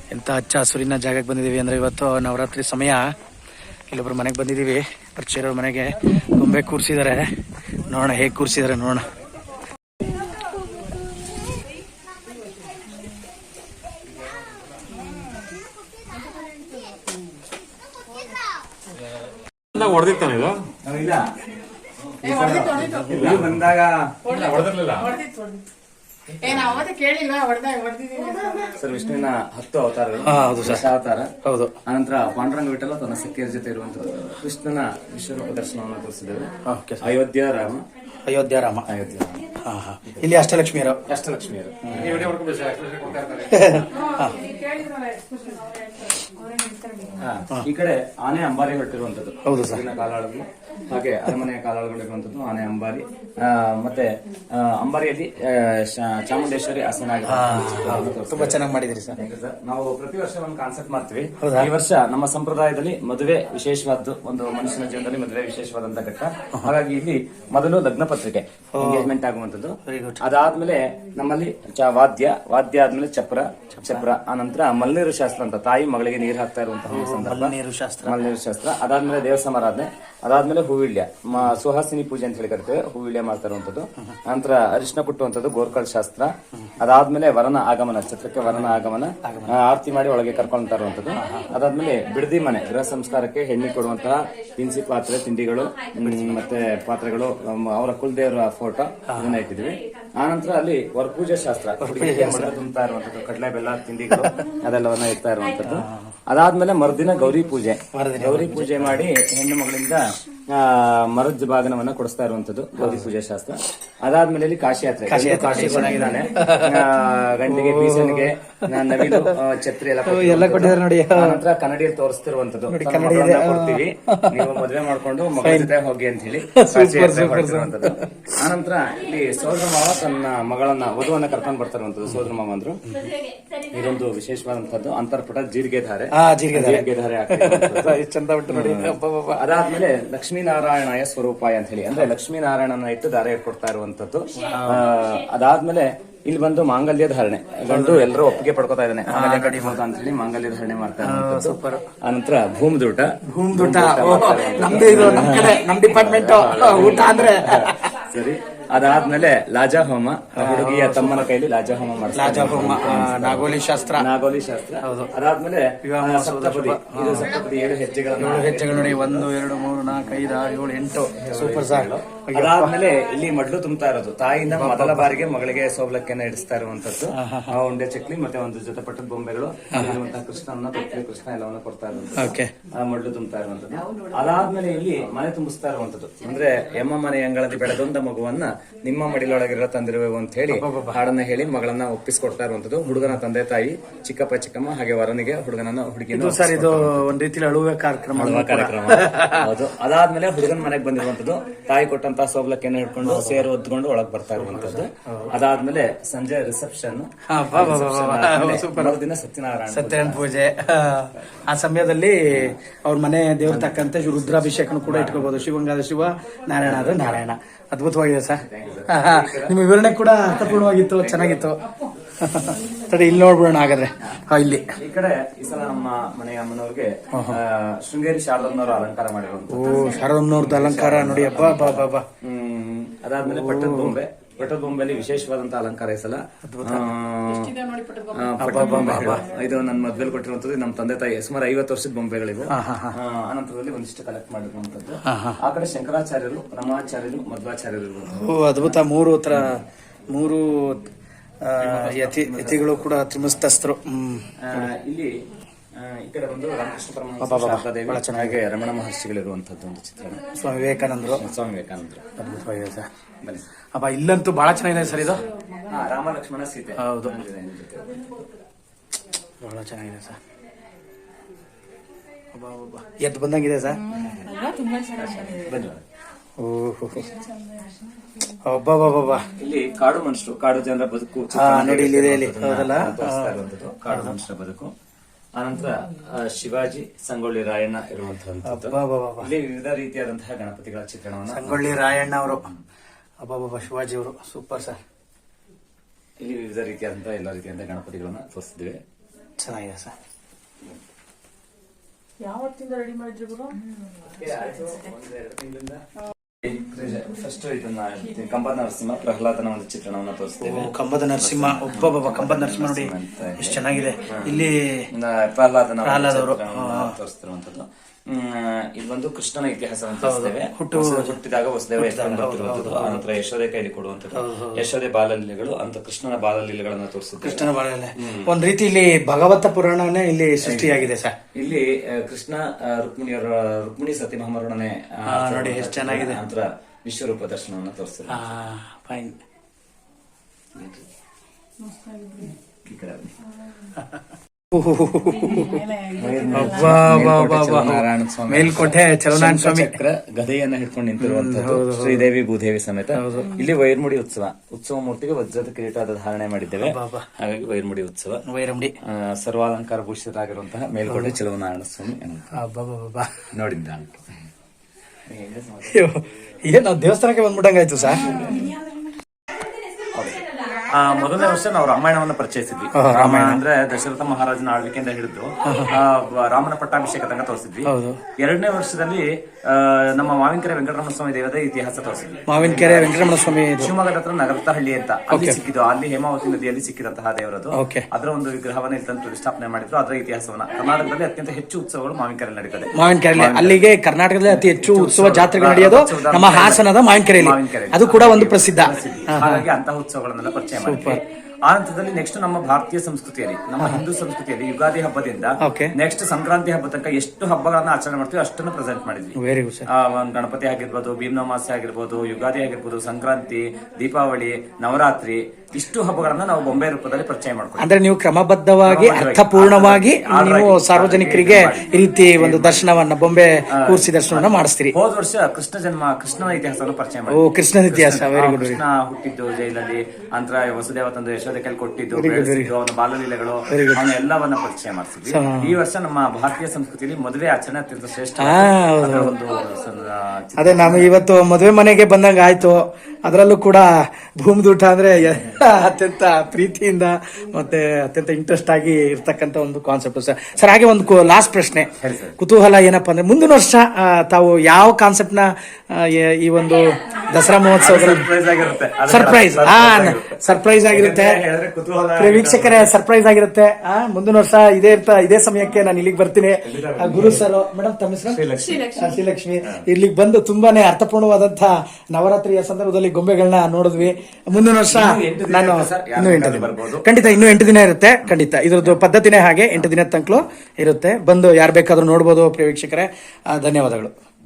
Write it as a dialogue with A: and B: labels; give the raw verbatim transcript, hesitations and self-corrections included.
A: ಎಂಥ ಹಚ್ಚ ಹಸುರಿನ ಜಾಗಕ್ಕೆ ಬಂದಿದ್ದೀವಿ ಅಂದರೆ ಇವತ್ತು ನವರಾತ್ರಿ ಸಮಯ. ಇಲ್ಲೊಬ್ರು ಮನೆಗೆ ಬಂದಿದ್ದೀವಿ, ಪರಿಚಯ ಇರೋರ ಮನೆಗೆ. ಗೊಂಬೆ ಕೂರಿಸಿದ್ದಾರೆ, ನೋಡೋಣ ಹೇಗೆ ಕೂರಿಸಿದ್ದಾರೆ ನೋಡೋಣ.
B: ಹೊಡೆದಿರ್ತಾನೆ ಇದು ಬಂದಾಗ ಸರ್ ವಿಷ್ಣುವಿನ ಹತ್ತು ಅವತಾರಗಳು.
A: ಹೌದು ಸರ್,
B: ಅವತಾರ.
A: ಹೌದು.
B: ಅನಂತರ ಪಾಂಡುರಂಗ ವಿಠಲ ತನ್ನ ಸಖಿಯರ ಜೊತೆ ಇರುವಂತದ್ದು ಕೃಷ್ಣನ ವಿಶ್ವರೂಪ ದರ್ಶನವನ್ನು ತೋರಿಸಿದ್ದೇವೆ. ಅಯೋಧ್ಯ ರಾಮ
A: ಅಯೋಧ್ಯ ರಾಮ
B: ಅಯೋಧ್ಯ
A: ಹಾ ಹಾ ಇಲ್ಲಿ ಅಷ್ಟಲಕ್ಷ್ಮಿಯರು
B: ಅಷ್ಟಲಕ್ಷ್ಮಿಯರು ಈ ಕಡೆ ಆನೆ ಅಂಬಾರಿ ಹೊರಟಿರುವಂತದ್ದು.
A: ಹೌದು ಸರ್.
B: ಕಾಲಾಳುಗಳು ಹಾಗೆ ಅರಮನೆಯ ಕಾಲಾಳುಗಳಿರುವಂತದ್ದು ಆನೆ ಅಂಬಾರಿ. ಮತ್ತೆ ಅಂಬಾರಿಯಲ್ಲಿ ಚಾಮುಂಡೇಶ್ವರಿ ಆಸನ.
A: ತುಂಬಾ ಚೆನ್ನಾಗಿ ಮಾಡಿದಿರಿ ಸರ್.
B: ನಾವು ಪ್ರತಿ ವರ್ಷ ಒಂದು ಕಾನ್ಸೆಪ್ಟ್ ಮಾಡ್ತೀವಿ. ಈ ವರ್ಷ ನಮ್ಮ ಸಂಪ್ರದಾಯದಲ್ಲಿ ಮದುವೆ ವಿಶೇಷವಾದ್ದು, ಒಂದು ಮನುಷ್ಯನ ಜೀವನದಲ್ಲಿ ಮದುವೆ ವಿಶೇಷವಾದಂತ ಘಟ್ಟ. ಹಾಗಾಗಿ ಇಲ್ಲಿ ಮೊದಲು ಲಗ್ನ ಪತ್ರಿಕೆ ಎಂಗೇಜ್ಮೆಂಟ್ ಆಗುವಂತದ್ದು. ಅದಾದ್ಮೇಲೆ ನಮ್ಮಲ್ಲಿ ವಾದ್ಯ ವಾದ್ಯ ಆದ್ಮೇಲೆ ಚಪ್ರ ಚಪ್ರ ಆನಂತರ ಮಲ್ನೀರು ಶಾಸ್ತ್ರ ಅಂತ ತಾಯಿ ಮಗಳಿಗೆ ನೀರು ಹಾಕ್ತಾ ಇರುವಂತಹ ಸಂದರ್ಭ.
A: ನೀರು ಶಾಸ್ತ್ರ
B: ಮಲ್ನೀರು ಶಾಸ್ತ್ರ ಅದಾದ್ಮೇಲೆ ದೇವ ಸಮಾರಾಧನೆ, ಅದಾದ್ಮೇಲೆ ಹೂವಿಳ್ಯ ಸುಹಾಸಿನಿ ಪೂಜೆ ಅಂತ ಹೇಳಿ ಕರಿತೇವೆ. ಹೂವಿಳ್ಯ ಮಾಡ್ತಾ ಇರುವಂತದ್ದು. ನಂತರ ಅರಿಶಿನ ಕುಟ್ಟುವಂತದ್ದು ಗೋರ್ಕಲ್ ಶಾಸ್ತ್ರ. ಅದಾದ್ಮೇಲೆ ವರನ ಆಗಮನ, ಛತ್ರಕ್ಕೆ ವರನ ಆಗಮನ, ಆರತಿ ಮಾಡಿ ಒಳಗೆ ಕರ್ಕೊಂಡ್ತಾ ಇರುವಂತದ್ದು. ಅದಾದ್ಮೇಲೆ ಬಿಡದಿ ಮನೆ ಗೃಹ ಸಂಸ್ಕಾರಕ್ಕೆ ಹೆಣ್ಣಿ ಕೊಡುವಂತಹ ತಿನಿಸಿ ಪಾತ್ರೆ ತಿಂಡಿಗಳು ಮತ್ತೆ ಪಾತ್ರೆಗಳು, ಅವರ ಕುಲದೇವರ ಫೋಟೋ ಇದನ್ನ ಇಟ್ಟಿದ್ವಿ. ಆನಂತರ ಅಲ್ಲಿ ವರಪೂಜೆ ಶಾಸ್ತ್ರ, ತುಂಬತಾ ಇರುವಂತದ್ದು ಕಡಲೆ ಬೆಲ್ಲ ತಿಂಡಿಗಳು ಅದೆಲ್ಲವನ್ನ ಇಡ್ತಾ ಇರುವಂತದ್ದು. ಅದಾದ್ಮೇಲೆ ಮರುದಿನ ಗೌರಿ ಪೂಜೆ. ಗೌರಿ ಪೂಜೆ ಮಾಡಿ ಹೆಣ್ಣು ಮಗಳಿಂದ ಮರದ ಬಾಗನವನ್ನ ಕೊಡಿಸ್ತಾ ಇರುವಂತದ್ದು ಗೌರಿ ಪೂಜೆ ಶಾಸ್ತ್ರ. ಅದಾದ್ಮೇಲೆ ಇಲ್ಲಿ ಕಾಶಿ ಯಾತ್ರೆ. ಕಾಶಿ ಕೊಡಾಗಿದ್ದಾನೆ. ಗಂಟೆಗೆ ಬೀಸನಿಗೆ ನವಿಲು ಛತ್ರಿ ಎಲ್ಲ ಕೊಟ್ಟಿದ್ದಾರೆ ನೋಡಿ. ನಂತರ ಕನ್ನಡಿಯಲ್ಲಿ ತೋರಿಸ್ತಿರುವಂತದ್ದು ಕೊಡ್ತೀವಿ, ನೀವು ಮದುವೆ ಮಾಡ್ಕೊಂಡು ಮಗಳ ಜೊತೆ ಹೋಗಿ ಅಂತ ಹೇಳಿ ಕೊಡ್ತಿರುವಂತದ್ದು. ಆನಂತರ ಇಲ್ಲಿ ಸೋದರ ಮಾವ ತನ್ನ ಮಗಳನ್ನ ವಧುವನ್ನ ಕರ್ಕೊಂಡು ಬರ್ತಾ ಇರುವಂತದ್ದು ಸೋದರ ಮಾವ ಅಂದ್ರು. ಇದೊಂದು ವಿಶೇಷವಾದಂತದ್ದು ಅಂತರ್ಪುಟ ಜೀರಿಗೆ ಧಾರೆ ಜೀರಿಗೆ ಧಾರೆ
A: ಚಂದ ಬಿಟ್ಟು ನೋಡಿ.
B: ಅದಾದ್ಮೇಲೆ ಲಕ್ಷ್ಮೀನಾರಾಯಣಯ ಸ್ವರೂಪಾಯ ಅಂತ ಹೇಳಿ, ಅಂದ್ರೆ ಲಕ್ಷ್ಮೀನಾರಾಯಣನ ಇಟ್ಟು ದಾರೆ ಕೊಡ್ತಾ ಇರುವಂತದ್ದು. ಅದಾದ್ಮೇಲೆ ಇಲ್ಲಿ ಬಂದು ಮಾಂಗಲ್ಯ ಧಾರಣೆ, ಗಂಡು ಎಲ್ಲರೂ ಒಪ್ಪಿಗೆ ಪಡ್ಕೋತಾ ಇದ್ದಾನೆ ಅಂತ ಹೇಳಿ ಮಾಂಗಲ್ಯ ಧಾರಣೆ ಮಾಡ್ತಾ ಇದ್ದಾರೆ. ಆನಂತರ ಭೂಮಿದೂಟ.
A: ಭೂಮಿದೂಟ ನಮ್ದು ಇದು, ನಮ್ ಕಡೆ ನಮ್ ಡಿಪಾರ್ಟ್ಮೆಂಟ್ ಊಟ ಅಂದ್ರೆ
B: ಸರಿ. ಅದಾದ್ಮೇಲೆ ಲಾಜಾ ಹೋಮ, ಹುಡುಗಿಯ ತಮ್ಮನ ಕೈಲಿ ಲಾಜಾ ಹೋಮ ಮಾಡ್ತಾರೆ.
A: ಲಾಜಾ ಹೋಮ, ನಾಗೋಲಿ ಶಾಸ್ತ್ರ.
B: ನಾಗೋಲಿ ಶಾಸ್ತ್ರ. ಅದಾದ್ಮೇಲೆ ಸಪ್ತಪದಿ. ಇದು ಸಪ್ತಪದಿ ಏಳು ಹೆಜ್ಜೆಗಳು.
A: ಏಳು ಹೆಜ್ಜೆಗಳು ನೋಡಿ. ಒಂದು ಎರಡು ಮೂರು ನಾಲ್ಕು ಐದು ಆರು ಏಳು ಎಂಟು. Super sir.
B: ಅದಾದ್ಮೇಲೆ ಇಲ್ಲಿ ಮಡ್ಲು ತುಂಬತಾ ಇರೋದು, ತಾಯಿಯಿಂದ ಮೊದಲ ಬಾರಿಗೆ ಮಗಳಿಗೆ ಸೋಬಲಕ್ಕೆನ ಇಡಿಸ್ತಾ ಇರುವಂತದ್ದು. ಉಂಡೆ ಚಕ್ಲಿ ಮತ್ತೆ ಒಂದು ಜೊತೆ ಪಟ್ಟದ ಬೊಂಬೆಗಳು ಇರುವಂತಹ ಕೃಷ್ಣನ ತೊಟ್ಟಿಗೆ ಕೃಷ್ಣ ಎಲ್ಲವನ್ನ ಕೊಡ್ತಾ ಇರುವಂತದ್ದು, ಮಡ್ಲು ತುಂಬತಾ ಇರುವಂತದ್ದು. ಅದಾದ್ಮೇಲೆ ಇಲ್ಲಿ ಮನೆ ತುಂಬಿಸ್ತಾ ಇರುವಂತದ್ದು, ಅಂದ್ರೆ ಎಮ್ಮ ಮನೆ ಅಂಗಳದಿ ಬೆಳೆದೊಂದ ಮಗುವನ್ನ ನಿಮ್ಮ ಮಡಿಲೊಳಗಿರೋ ತಂದಿರುವೆವು ಅಂತ ಹೇಳಿ ಹಾಡನ್ನ ಹೇಳಿ ಮಗಳನ್ನ ಒಪ್ಪಿಸ್ಕೊಡ್ತಾ ಇರುವಂತದ್ದು. ಹುಡುಗನ ತಂದೆ ತಾಯಿ, ಚಿಕ್ಕಪ್ಪ ಚಿಕ್ಕಮ್ಮ ಹಾಗೆ ವರನಿಗೆ ಹುಡುಗನನ್ನ ಹುಡುಗಿನ.
A: ಸರ್ ಇದು ಒಂದ್ ರೀತಿ ಅಳುವ ಕಾರ್ಯಕ್ರಮ.
B: ಕಾರ್ಯಕ್ರಮ ಹೌದು. ಅದಾದ್ಮೇಲೆ ಹುಡುಗನ ಮನೆಗೆ ಬಂದಿರುವಂತದ್ದು, ತಾಯಿ ಕೊಟ್ಟಂತ ಸೋಬ್ಲಕ್ಕೆನ ಹಿಡ್ಕೊಂಡು ಸೇರು ಒದ್ಕೊಂಡು ಒಳಗ್ ಬರ್ತಾ ಇರುವಂತದ್ದು. ಅದಾದ್ಮೇಲೆ ಸಂಜೆ ರಿಸೆಪ್ಷನ್, ದಿನ ಸತ್ಯನಾರಾಯಣ
A: ಸತ್ಯನಾರಾಯಣ ಪೂಜೆ. ಆ ಸಮಯದಲ್ಲಿ ಅವ್ರ ಮನೆ ದೇವ್ರ ತಕ್ಕಂತೆ ರುದ್ರಾಭಿಷೇಕನು ಕೂಡ ಇಟ್ಕೋಬಹುದು. ಶಿವಂಗಾದ ಶಿವ, ನಾರಾಯಣ ಆದ್ರೆ ನಾರಾಯಣ. ಅದ್ಭುತವಾಗಿದೆ ಸರ್. ನಿಮ್ಮ ವಿವರಣೆ ಕೂಡ ಅರ್ಥಪೂರ್ಣವಾಗಿತ್ತು, ಚೆನ್ನಾಗಿತ್ತು. ತಡಿ ಇಲ್ಲಿ ನೋಡ್ಬಿಡೋಣ ಹಾಗಾದ್ರೆ. ಇಲ್ಲಿ
B: ಈ ಕಡೆ ಈ ಸಲ ನಮ್ಮ ಮನೆಯ ಅಮ್ಮನವ್ರಿಗೆ ಶೃಂಗೇರಿ ಶಾರದಮ್ಮನವರು ಅಲಂಕಾರ ಮಾಡಿರುವಂತ.
A: ಓ, ಶಾರದಮ್ಮನವ್ರದ್ದು ಅಲಂಕಾರ ನೋಡಿ. ಹಬ್ಬ ಹಬ್ಬ ಹಬ್ಬ.
B: ಹ್ಮ್ ಅದಾದ್ಮೇಲೆ ಪಟ್ಟದ ಬೊಂಬೆ. ಪಟ್ಟದ ಬೊಂಬೆಲಿ ವಿಶೇಷವಾದಂತ ಅಲಂಕಾರ ಈ ಸಲ. ಪಟ್ಟದ ಬೊಂಬೆ ಇದು ನನ್ನ ಮದ್ವೆಲ್ ಕೊಟ್ಟಿರುವಂತದ್ದು. ನಮ್ಮ ತಂದೆ ತಾಯಿ ಸುಮಾರು ಐವತ್ತು ವರ್ಷದ ಬೊಂಬೆಗಳಿವೆ. ಅನಂತರದಲ್ಲಿ ಒಂದಿಷ್ಟು ಕಲೆಕ್ಟ್ ಮಾಡಿರುವಂತದ್ದು. ಆ ಕಡೆ ಶಂಕರಾಚಾರ್ಯರು, ರಮಾಚಾರ್ಯರು, ಮಧ್ವಾಚಾರ್ಯರು.
A: ಓ ಅದ್ಭುತ. ಮೂರು ತರ ಮೂರು ಯತಿ ಯತಿಗಳು ಕೂಡ ತ್ರಿಮಸ್ತಸ್ಥರು.
B: ಇಲ್ಲಿ ಈ ಕಡೆ ಒಂದು ರಾಮಕೃಷ್ಣ ಪರಮಹಂಸ ಚೆನ್ನಾಗಿ ರಮಣ ಮಹರ್ಷಿಗಳಿರುವಂತದ್ದು ಒಂದು ಚಿತ್ರಣ.
A: ಸ್ವಾಮಿ ವಿವೇಕಾನಂದರು.
B: ಸ್ವಾಮಿ ವಿವೇಕಾನಂದರು
A: ಅದ್ಭುತವಾಗಿದೆ ಸರ್. ಅಪ್ಪ ಇಲ್ಲಂತೂ ಬಹಳ ಚೆನ್ನಾಗಿದೆ ಸರ್ ಇದು.
B: ರಾಮ ಲಕ್ಷ್ಮಣ ಸೀತೆ.
A: ಹೌದು, ಬಹಳ ಚೆನ್ನಾಗಿದೆ ಸರ್. ಎದ್ದು ಬಂದಂಗಿದೆ ಸರ್. ಒಬ್ಬ
B: ಇಲ್ಲಿ ಕಾಡು ಮನುಷ್ಯರು, ಕಾಡು ಜನರ ಬದುಕು
A: ನೋಡಿ ಇಲ್ಲಿ ಹೌದಲ್ಲ,
B: ಕಾಡು ಮನುಷ್ಯರ ಬದುಕು. ಆನಂತರ ಶಿವಾಜಿ, ಸಂಗೊಳ್ಳಿ ರಾಯಣ್ಣ ಇರುವಂತಹ ಇಲ್ಲಿ ವಿವಿಧ ರೀತಿಯಾದಂತಹ ಗಣಪತಿಗಳ ಚಿತ್ರಣವನ್ನು.
A: ಸಂಗೊಳ್ಳಿ ರಾಯಣ್ಣ ಅವರು, ಅಬ್ಬಾಬಾಬಾ, ಶಿವಾಜಿ ಅವರು ಸೂಪರ್ ಸರ್.
B: ಇಲ್ಲಿ ವಿವಿಧ ರೀತಿಯಾದಂತಹ ಎಲ್ಲ ರೀತಿಯಾದ ಗಣಪತಿಗಳನ್ನ ತೋರಿಸಿದ್ವಿ.
A: ಚೆನ್ನಾಗಿದೆ ಸರ್.
C: ಯಾವತ್ತಿಂದ ರೆಡಿ ಮಾಡಿದ್ರಿ ಗುರು?
B: ಫಸ್ಟ್ ಇದನ್ನ ಕಂಬದ ನರಸಿಂಹ ಪ್ರಹ್ಲಾದನ ಒಂದು ಚಿತ್ರಣವನ್ನ ತೋರಿಸ್ತೇವೆ.
A: ಓ, ಕಂಬದ ನರಸಿಂಹ, ಒಬ್ಬೊಬ್ಬ ಕಂಬದ ನರಸಿಂಹ ನೋಡಿ ಎಷ್ಟು ಚೆನ್ನಾಗಿದೆ. ಇಲ್ಲಿ
B: ಪ್ರಹ್ಲಾದನ
A: ಪ್ರಹ್ಲಾದವರು
B: ತೋರಿಸ್ತಿರುವಂತದ್ದು. ಇದೊಂದು ಕೃಷ್ಣನ ಇತಿಹಾಸವನ್ನು ತೋರಿಸ್ತೇವೆ. ಹುಟ್ಟು ಹುಟ್ಟಿದಾಗ ವಸುದೇವ ಎತ್ಕೊಂಡು ಬರ್ತಿರುವಂತದ್ದು, ಆನಂತರ ಯಶೋದೆ ಕೈಲಿ ಕೊಡುವಂತದ್ದು, ಯಶೋದೆ ಬಾಲಲೀಲೆಗಳು ಅಂತ ಕೃಷ್ಣನ ಬಾಲಲೀಲೆಗಳನ್ನ ತೋರಿಸಿದ್ರು.
A: ಕೃಷ್ಣನ ಬಾಳಲೆ ಒಂದ್ ರೀತಿ ಇಲ್ಲಿ ಭಗವತ ಪುರಾಣನೇ ಇಲ್ಲಿ ಸೃಷ್ಟಿಯಾಗಿದೆ ಸರ್.
B: ಇಲ್ಲಿ ಕೃಷ್ಣ ರುಕ್ಮಿಣಿಯವರ ರುಕ್ಮಿಣಿ ಸತಿ ಮಹಾಮರಣನೆ
A: ನೋಡಿ ಎಷ್ಟು ಚೆನ್ನಾಗಿದೆ.
B: ನಂತರ ವಿಶ್ವರೂಪ ದರ್ಶನವನ್ನ ತೋರಿಸ್ತಾರೆ.
A: ಫೈನ್. ಮೇಲ್ಕೋಟೆ ಚಲನಾರಾಯಣ ಸ್ವಾಮಿ
B: ಚಕ್ರ ಗದೆಯನ್ನ ಹಿಡ್ಕೊಂಡು ನಿಂತಿರುವಂತದ್ದು ಶ್ರೀದೇವಿ ಭೂದೇವಿ ಸಮೇತ. ಇಲ್ಲಿ ವೈರ್ಮುಡಿ ಉತ್ಸವ ಉತ್ಸವ ಮೂರ್ತಿಗೆ ವಜ್ರದ ಕಿರೀಟದ ಧಾರಣೆ ಮಾಡಿದ್ದೇವೆ. ಹಾಗಾಗಿ ವೈರ್ಮುಡಿ ಉತ್ಸವ,
A: ವೈರಮುಡಿ
B: ಸರ್ವಾಲಂಕಾರ ಭೂಷಿತರಾಗಿರುವಂತಹ ಮೇಲ್ಕೋಟೆ ಚಲನಾರಾಯಣ ಸ್ವಾಮಿ ನೋಡಿದ್ದ.
A: ಏನ್ ನಾವು ದೇವಸ್ಥಾನಕ್ಕೆ ಬಂದ್ಬಿಟ್ಟಂಗಾಯ್ತು ಸರ್.
B: ಆ ಮೊದಲನೇ ವರ್ಷ ನಾವು ರಾಮಾಯಣವನ್ನು ಪರಿಚಯಿಸಿದ್ವಿ. ರಾಮಾಯಣ ಅಂದ್ರೆ ದಶರಥ ಮಹಾರಾಜನ ಆಳ್ವಿಕೆಯಿಂದ ಹಿಡಿದು ಆ, ರಾಮನ ಪಟ್ಟಾಭಿಷೇಕ ತನಕ ತೋರಿಸಿದ್ವಿ. ಎರಡನೇ ವರ್ಷದಲ್ಲಿ ಆ, ನಮ್ಮ ಮಾವಿನಕೆರೆ ವೆಂಕಟರಮಣ ಸ್ವಾಮಿ ದೇವದ ಇತಿಹಾಸ ತೋರಿಸಿದ್ವಿ.
A: ಮಾವಿನಕೆರೆ ವೆಂಕಟರಮಣ ಸ್ವಾಮಿ
B: ಶಿವಮೊಗ್ಗದ ಹತ್ರ ನಗರತಹಳ್ಳಿ ಅಂತ ಅಲ್ಲಿ ಸಿಕ್ಕಿದ್ದು, ಅಲ್ಲಿ ಹೇಮಾವತಿ ನದಿಯಲ್ಲಿ ಸಿಕ್ಕಿದಂತಹ ದೇವರದು.
A: ಓಕೆ.
B: ಅದರ ಒಂದು ವಿಗ್ರಹವನ್ನ ಇಲ್ಲಿ ತಂದು ಪ್ರತಿಷ್ಠಾಪನೆ ಮಾಡಿದ್ರು. ಅದರ ಇತಿಹಾಸವನ್ನ ಕರ್ನಾಟಕದಲ್ಲಿ ಅತ್ಯಂತ ಹೆಚ್ಚು ಉತ್ಸವಗಳು ಮಾವಿನಕೆರೆ ನಡೀತದೆ.
A: ಮಾವಿನಕೆರೆ ಅಲ್ಲಿಗೆ ಕರ್ನಾಟಕದಲ್ಲಿ ಅತಿ ಹೆಚ್ಚು ಉತ್ಸವ ಜಾತ್ರೆಗಳು ನಡೆಯೋದು ನಮ್ಮ ಹಾಸನದ ಮಾವಿನಕೆರೆಯಲ್ಲಿ. ಅದು ಕೂಡ ಒಂದು ಪ್ರಸಿದ್ಧ.
B: ಹಾಗಾಗಿ ಅಂತಹ ಉತ್ಸವಗಳನ್ನೆಲ್ಲ ಪರಿಚಯ ಮಾಡಿದ್ವಿ. ಆ ಹಂತದಲ್ಲಿ ನೆಕ್ಸ್ಟ್ ನಮ್ಮ ಭಾರತೀಯ ಸಂಸ್ಕೃತಿಯಲ್ಲಿ, ನಮ್ಮ ಹಿಂದೂ ಸಂಸ್ಕೃತಿಯಲ್ಲಿ ಯುಗಾದಿ ಹಬ್ಬದಿಂದ ನೆಕ್ಸ್ಟ್ ಸಂಕ್ರಾಂತಿ ಹಬ್ಬ ತನಕ ಎಷ್ಟು ಹಬ್ಬಗಳನ್ನ ಆಚರಣೆ ಮಾಡ್ತೀವಿ ಅಷ್ಟನ್ನು ಪ್ರೆಸೆಂಟ್ ಮಾಡಿದ್ವಿ.
A: Very good sir.
B: ಗಣಪತಿ ಆಗಿರ್ಬೋದು, ಭೀಮನಮಾಸೆ ಆಗಿರ್ಬೋದು, ಯುಗಾದಿ ಆಗಿರ್ಬೋದು, ಸಂಕ್ರಾಂತಿ, ದೀಪಾವಳಿ, ನವರಾತ್ರಿ, ಇಷ್ಟು ಹಬ್ಬಗಳನ್ನ ನಾವು ಬೊಂಬೆ ರೂಪದಲ್ಲಿ ಪರಿಚಯ ಮಾಡ್ತೀವಿ.
A: ಅಂದ್ರೆ ನೀವು ಕ್ರಮಬದ್ಧವಾಗಿ ಅರ್ಥಪೂರ್ಣವಾಗಿ ನೀವು ಸಾರ್ವಜನಿಕರಿಗೆ ಈ ರೀತಿ ಒಂದು ದರ್ಶನವನ್ನ, ಬೊಂಬೆ ಕೂರಿಸಿ ದರ್ಶನವನ್ನ ಮಾಡಿಸ್ತೀರಿ.
B: ಹೋದ ವರ್ಷ ಕೃಷ್ಣ ಜನ್ಮ, ಕೃಷ್ಣನ ಇತಿಹಾಸವನ್ನು ಪರಿಚಯ ಮಾಡಿ.
A: ಓ, ಕೃಷ್ಣನ ಇತಿಹಾಸ. Very good.
B: ಕೃಷ್ಣ ಹುಟ್ಟಿದ್ದು ಜೈಲಲ್ಲಿ, ನಂತರ ವಸುದೇವ ತಂದು ಯಶೋದೆ ಕೈಲಿ ಕೊಟ್ಟಿದ್ದು, ಅವನ ಬಾಲಲೀಲೆಗಳು, ಅವನ ಎಲ್ಲವನ್ನ ಪರಿಚಯ ಮಾಡಿಸಿದ್ವಿ. ಈ ವರ್ಷ ನಮ್ಮ ಭಾರತೀಯ ಸಂಸ್ಕೃತಿಯಲ್ಲಿ ಮದುವೆ ಆಚರಣೆ ಅತ್ಯಂತ ಶ್ರೇಷ್ಠ ಒಂದು.
A: ಅದೇ ನಾನು ಇವತ್ತು ಮದುವೆ ಮನೆಗೆ ಬಂದಂಗ ಆಯ್ತು. ಅದರಲ್ಲೂ ಕೂಡ ಭೂಮಿದೂಟ ಅಂದ್ರೆ ಅತ್ಯಂತ ಪ್ರೀತಿಯಿಂದ ಮತ್ತೆ ಅತ್ಯಂತ ಇಂಟ್ರೆಸ್ಟ್ ಆಗಿ ಇರ್ತಕ್ಕಂಥ ಒಂದು ಕಾನ್ಸೆಪ್ಟ್ ಸರ್. ಸರ್ ಹಾಗೆ ಒಂದು ಲಾಸ್ಟ್ ಪ್ರಶ್ನೆ, ಕುತೂಹಲ ಏನಪ್ಪಾ ಅಂದ್ರೆ ಮುಂದಿನ ವರ್ಷ ಆ, ತಾವು ಯಾವ ಕಾನ್ಸೆಪ್ಟ್ ನ ಆ, ಈ ಒಂದು ದಸರಾ ಮಹೋತ್ಸವದಲ್ಲಿ ಸರ್ಪ್ರೈಸ್ ಸರ್ಪ್ರೈಸ್ ಆಗಿರುತ್ತೆ, ವೀಕ್ಷಕರೇ ಸರ್ಪ್ರೈಸ್ ಆಗಿರುತ್ತೆ. ಆ ಮುಂದಿನ ವರ್ಷ ಇದೇ ಇರ್ತಾ ಇದೇ ಸಮಯಕ್ಕೆ ನಾನು ಇಲ್ಲಿಗೆ ಬರ್ತೀನಿ. ಆ, ಗುರು ಸರ್, ಮೇಡಮ್ ತಮ್ಮ ಹೆಸರು ಶ್ರೀಲಕ್ಷ್ಮಿ. ಇಲ್ಲಿಗೆ ಬಂದು ತುಂಬಾನೇ ಅರ್ಥಪೂರ್ಣವಾದಂತಹ ನವರಾತ್ರಿಯ ಸಂದರ್ಭದಲ್ಲಿ ಗೊಂಬೆಗಳನ್ನ ನೋಡಿದ್ವಿ. ಮುಂದಿನ ವರ್ಷ ನಾನು ಇನ್ನೂ ಎಂಟು ದಿನ ಖಂಡಿತ ಇನ್ನೂ ಎಂಟು ದಿನ ಇರುತ್ತೆ. ಖಂಡಿತ ಇದ್ರದ್ದು ಪದ್ಧತಿನೇ ಹಾಗೆ, ಎಂಟು ದಿನ ತನಕ ಇರುತ್ತೆ. ಬಂದು ಯಾರು ಬೇಕಾದ್ರೂ ನೋಡ್ಬೋದು ಪ್ರಿಯ ವೀಕ್ಷಕರೇ. ಧನ್ಯವಾದಗಳು.